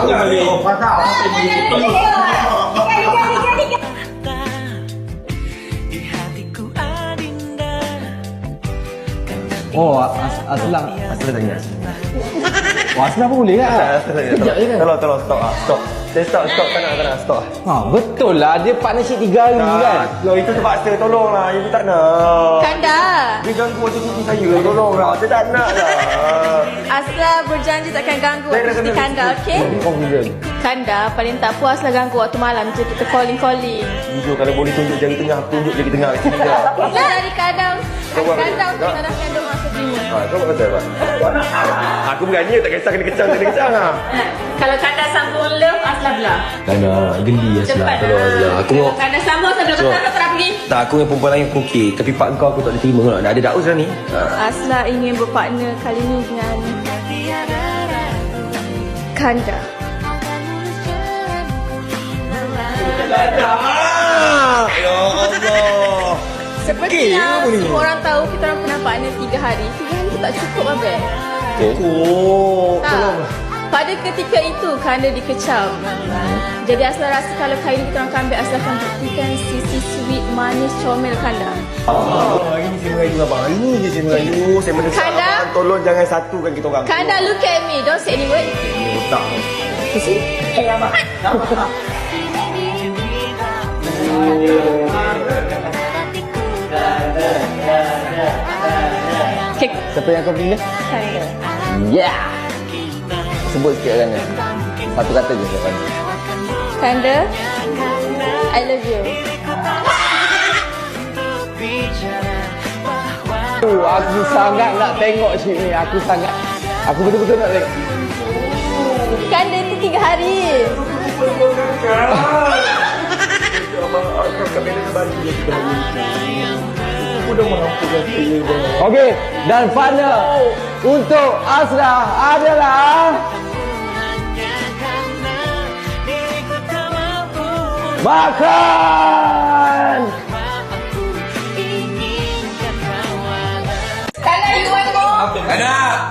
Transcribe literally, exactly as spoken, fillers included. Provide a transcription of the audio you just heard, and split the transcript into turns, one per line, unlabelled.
tahu balik. Oh, pasal apa ni?
Oh, as Aslam.
Asal tanya.
Oh, Aslam pun boleh kan?
Sekejap je kan? Tolong, tolong, stop ah, stop. Saya stop, stop, tak nak, tak nak, stop.
Ha, betul lah. Dia partnership tiga hari kan?
Loh, itu terpaksa, tolonglah. Ibu tak nak.
Kanda,
Dia ganggu waktu cuti saya, tolonglah. Saya tak nak lah.
Asla berjanji takkan ganggu
Saya
waktu
dah
cuti
kena
Kanda, okey?
Confident.
Kanda, paling tak puas lah ganggu waktu malam je kita calling-calling.
Jujur, kalau boleh tunjuk jari tengah, tunjuk jari tengah kat sini je.
Lah dari kadang,
Kau buat
Kanda
apa?
untuk tanahkan doa seterima.
Ha, kau buat pasal apa? Aku berani, tak kisah kena kecam, tak kena kecam lah.
Kalau Kanda sambung love, Asla belah.
Kena geli Aslam.
Cepat
Tolong
lah.
Aslam. Aku
Kalau
mau...
Kanda sambung sambil
So-
betul tak nak pergi.
Tak, aku dengan perempuan lain aku okey. Tapi part kau aku tak boleh terima lah. Dah ada daus dah ni. Ha.
Asla ingin berpartner kali ni dengan Kanda.
Ya Allah.
Seperti yang semua orang tahu kita orang pernah partner tiga hari. Tiga hari tu tak cukup Abel.
Oh,
Tak. Pada ketika itu Kanda dikecam. Jadi Asla rasa kalau kali ni kita orang comeback, Asla akan buktikan sisi sweet, manis, comel Kanda.
Oh, hari ni saya merayu abang. Hari ni je saya merayu. Saya mendesak
Kanda?
abang. Tolong jangan satukan kita orang.
Kanda, look at me. Don't say any word.
Tak.
Eh, abang. Okay.
Siapa yang kau pilih?
Kanda.
Yeah! Sebut sikit kan? Satu kata je siapa?
Kanda, I love you.
Uh, aku sangat nak tengok ship ni. Aku sangat... Aku betul-betul nak tengok.
Kanda itu tiga hari.
Abang, aku kat medan balik je kita hari ni. Aku dah mengampukan saya bang.
Okey, dan partner untuk Asla adalah... Makan!
Kanda, you want more?
Ada.